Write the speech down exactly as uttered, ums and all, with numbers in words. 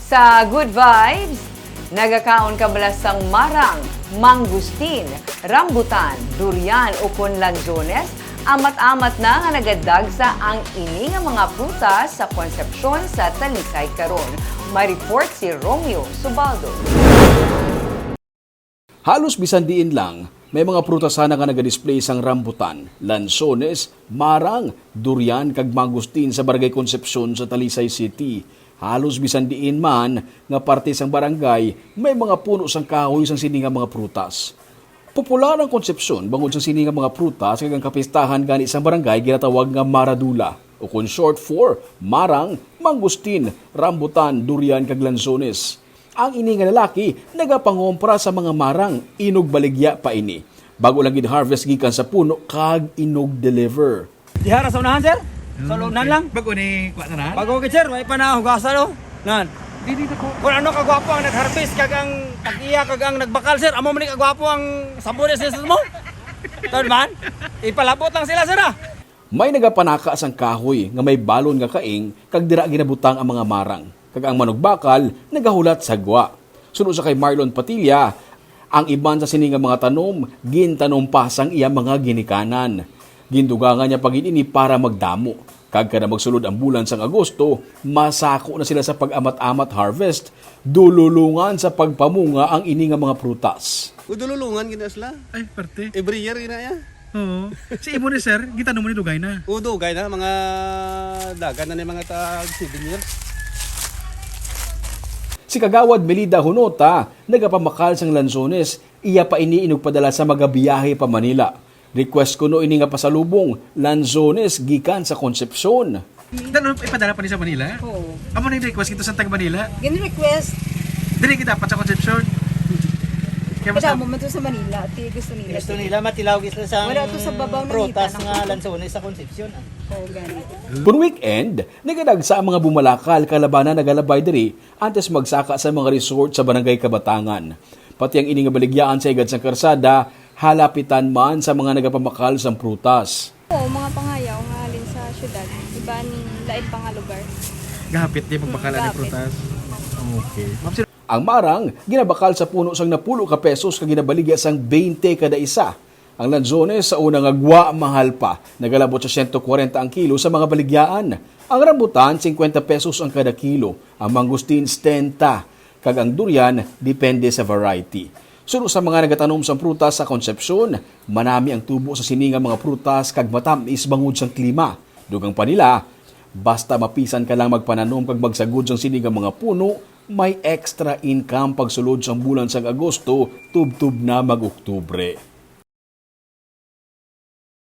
Sa Good Vibes, nagakaon ka bala sang marang, mangustin, rambutan, durian o conlanzones, amat-amat na nga nagadag sa ang ini nga mga prutas sa konsepsyon sa Talisay karon. May report si Romeo Subaldo. Halos bisan diin lang, may mga prutasan nga naga-display sang rambutan, lansones, marang, durian kag mangustin sa Barangay Concepcion sa Talisay City. Halos bisan diin man nga parte sang barangay, may mga puno sang kahoy sang sini nga mga prutas. Popular ang Concepcion bangod sang sini nga mga prutas kag ang kapistahan gani sang barangay ginatawag nga maradula o kun short for marang, mangustin, rambutan, durian kag lansones. Ang ini nga lalaki nagapangompra sa mga marang, inog baligya pa ini. Bago lang gid-harvest gikan sa puno kag inog deliver. Dihara sa unahan, sir? Sa unahan lang? Bago ni kuha na Bago ka, sir, may pa na hugasan, no? Nan. Dili na ko. Kung ano kagwapo ang nag-harvest, kag ang tag-iya, kag ang nagbakal, sir, amo man ni kagwapo ang sabunes sa mo. Tawad man? Ipalabot lang sila, sir, ah. May nagapanaka sang kahoy nga may balon nga kaing kag dira ginabutang ang mga marang. Kag ang manugbakal nagahulat sa gwa. Sunod sa kay Marlon Patilla, ang iban sa sini nga mga tanom gintanom pa sang iya mga ginikanan. Gindugangan niya pagin-ini para magdamo. Kag kada magsulod ang bulan sang Agosto, masako na sila sa pag-amat-amat harvest, dululungan sa pagpamunga ang ini nga mga prutas. Udululungan gina sila. Ay, parte. Every year gina ya. Oo. Si Imo ni sir, kita mo ni dugay na. Udo gay na mga dagan na ni mga tag seven years. Si Kagawad Melida Hunota, nagapamakal sang lansones, iya pa ini inugpadala sa magabiyahe pa Manila. Request ko no ini nga pasalubong, lansones gikan sa Concepcion. Dano ipadala pa ni sa Manila? Oo. Amo na yung request kita sa tag Manila. Gini request, Dili kita dapat sa Concepcion. Kaya mas kada mo man to sa Manila, ti gusto nila. Gusto nila matilaw sila sa Wala to sa babaw ng prutas hita ng- nga lansones sa Concepcion. ah. Oo, gani. Pun weekend, nagadagsa ang mga bumalakal kalabanan nagalabay diri antes magsaka sa mga resort sa Barangay Kabatangan. Pati ang ini nga baligyaan sa igad sa karsada, halapitan man sa mga nagapamakal sa prutas. Oo, mga pangayaw nga alin sa syudad. Iba ni lain pa nga lugar. gahapit di magbakala ni Gahapit. prutas. Okay. Ma'am, sir, Ang marang, ginabakal sa puno sang napulo ka pesos kag ginabaligya sang twenty kada isa. Ang lanzones sa unang agwa mahal pa, nagalabot sa one forty ang kilo sa mga baligyaan. Ang rambutan, fifty pesos ang kada kilo. Ang mangustin, ten, kag ang durian, depende sa variety. Sunod sa mga nagatanom sa prutas sa Concepcion, manami ang tubo sa sininga mga prutas kag matamis bangod sang klima. Dugang pa nila, basta mapisan ka lang magpananom kag magsagod sang sininga mga puno, may extra income pagsulod sang bulan sang Agosto, tub-tub na mag-Oktubre.